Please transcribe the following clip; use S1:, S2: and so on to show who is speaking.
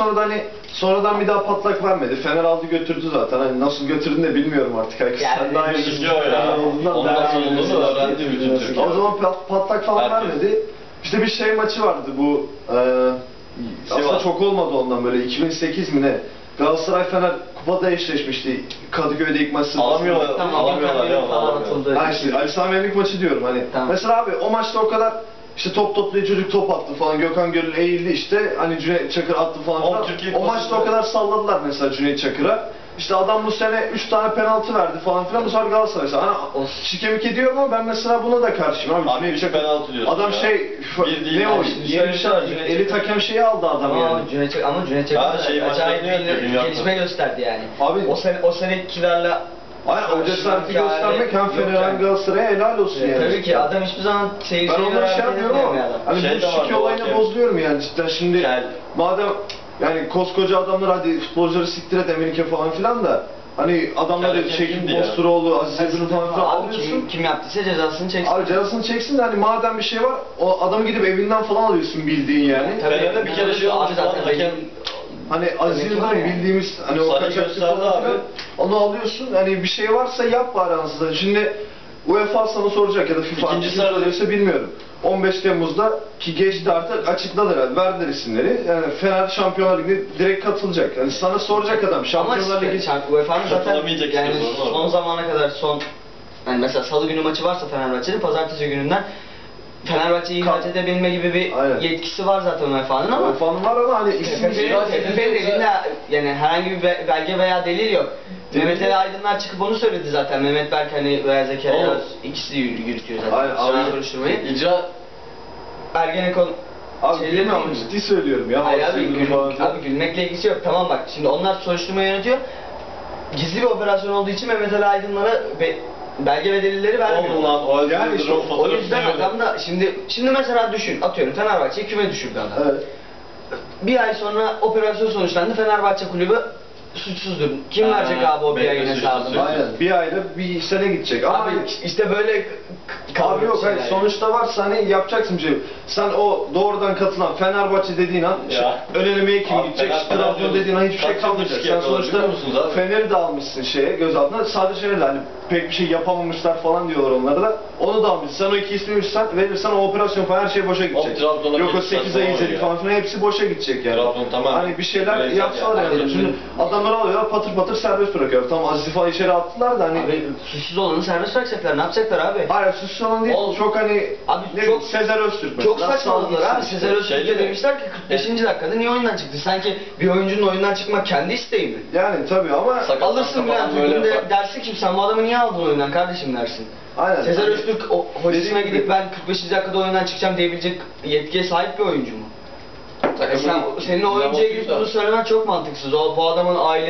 S1: sonra da hani sonradan bir daha patlak vermedi. Fener aldı götürdü zaten. Hani nasıl götürdüğünü de bilmiyorum artık. Herkes sen daha iyi
S2: bilmiyor ya. Onun nasıl olduğunu öğrendi bütün Türkiye.
S1: O zaman patlak falan vermedi. İşte bir şey maçı vardı bu. Aslında çok olmadı ondan böyle 2008 mi ne? Galatasaray Fener kupada eşleşmişti. Kadıköy'de ilk maçı.
S2: Alamıyorlar.
S3: Tamam,
S2: Alamıyorlar ya.
S3: falan atıldı.
S1: Ha işte Ali Sami Yenlik maçı diyorum hani.
S3: Tamam.
S1: Mesela abi o maçta o kadar işte top toplayıcı çocuk top attı falan. Gökhan Gönül eğildi işte. Hani Cüneyt Çakır attı falan filan. O maçta o kadar salladılar mesela Cüneyt Çakır'a. İşte adam bu sene 3 tane penaltı verdi falan filan. Bu sefer Galatasaray. Hani şikemik ediyorum ama ben mesela buna da karşıyım abi.
S2: Cüneyt Çakır penaltı diyorsun
S1: adam
S2: ya.
S1: Ne o? Yeni elit hakem şeyi aldı adam yani.
S3: Ama Cüneyt Çakır acayip bir gelişme gösterdi yani.
S1: Abi
S3: o senekilerle
S1: Aynen o cesareti göstermek hem Fener hem Galatasaray'a helal olsun yani.
S3: Tabii ki adam hiçbir zaman
S1: Ben
S3: seyirciye
S1: onları şey yapmıyorum ama hani bu şike olayını bozuluyorum yani cidden şimdi madem yani koskoca adamlar hadi futbolcuları siktir et Emenike falan filan da hani adamları Şekil Bosturoğlu, Aziz Ebru'nu falan filan alıyorsun.
S3: Kim yaptıysa cezasını çeksin.
S1: Abi cezasını çeksin de hani madem bir şey var o adamı gidip evinden falan alıyorsun bildiğin yani.
S2: Fener'de bir kere şey olmuş lan hakem.
S1: Hani Aziz Yıldırım bildiğimiz hani o kaçakçı falan filan onu alıyorsun hani bir şey varsa yap bari aslında. Şimdi UEFA sana soracak ya da FIFA
S2: İkinci sırada
S1: bilmiyorum. 15 Temmuz'da ki geçti artık açıkladılar herhalde verdiler isimleri. Yani Fener Şampiyonlar Ligi'ne direkt katılacak. Yani sana soracak adam Şampiyonlar Ligi
S3: UEFA'nın zaten yani son zamana kadar yani mesela salı günü maçı varsa Fenerbahçe'nin pazartesi gününden Fenerbahçe'yi ihraç edebilme gibi bir yetkisi var zaten UEFA'nın ama
S1: UEFA'nın var ama hani
S3: TFF'nin elinde yani herhangi bir belge veya delil yok. Mehmet Ali Aydınlar çıkıp onu söyledi zaten. Mehmet Berk hani veya Zekeriya ikisi yürütüyor zaten soruşturmayı.
S2: İcra
S3: Ergenekon
S1: abi bilmiyorum ciddi söylüyorum ya.
S3: Hayır abi gülmekle ilgisi yok. Tamam bak şimdi onlar soruşturmayı yönetiyor. Gizli bir operasyon olduğu için Mehmet Ali Aydınlar'a belge ve delilleri vermiyor.
S1: Yani işte,
S3: o yüzden adam da şimdi mesela düşün atıyorum Fenerbahçe'yi küme düşürdü adam.
S1: Evet.
S3: Bir ay sonra operasyon sonuçlandı Fenerbahçe kulübü suçsuzdur. Kim verecek abi o bir ayın hesabını?
S1: Aynen. Bir ayda bir sene gidecek. Ama
S3: abi işte böyle
S1: abi yok hayır sonuçta varsa hani yapacaksın bir şey. Sen o doğrudan katılan Fenerbahçe dediğin an önelemeye kim gidecek? Trabzon dediğin an hiçbir şey kalmayacak. Sen sonuçta Fener'i de almışsın gözaltına. Sadece Fener'le hani pek bir şey yapamamışlar falan diyorlar onlara da. Onu da almışsın. Sen o iki ismi verirsen o operasyon falan her şey boşa gidecek. Yok o 8 ay izledik falan filan hepsi boşa gidecek yani. Hani bir şeyler yapsalar yani. Şimdi adamları alıyorlar patır patır serbest bırakıyor. Tamam Aziz'i falan içeri attılar da hani.
S3: Abi suçsuz olanı serbest bırakacaklar. Ne yapacaklar abi?
S1: Hayır suçsuz olan değil. Çok hani
S3: abi
S1: çok Sezer Öztürk mesela.
S3: Çok saçmaladılar abi. Sezer Öztürk'e demişler ki 45. dakikada niye oyundan çıktı? Sanki bir oyuncunun oyundan çıkmak kendi isteği mi?
S1: Yani tabii ama
S3: alırsın Bülent Uygun'da dersin ki sen bu adamı niye aldın oyundan kardeşim dersin.
S1: Aynen.
S3: Sezer Öztürk hocasına gidip ben 45. dakikada oyundan çıkacağım diyebilecek yetkiye sahip bir oyuncu mu? Senin o oyuncuya gidip bunu söylemen çok mantıksız. Bu adamın aile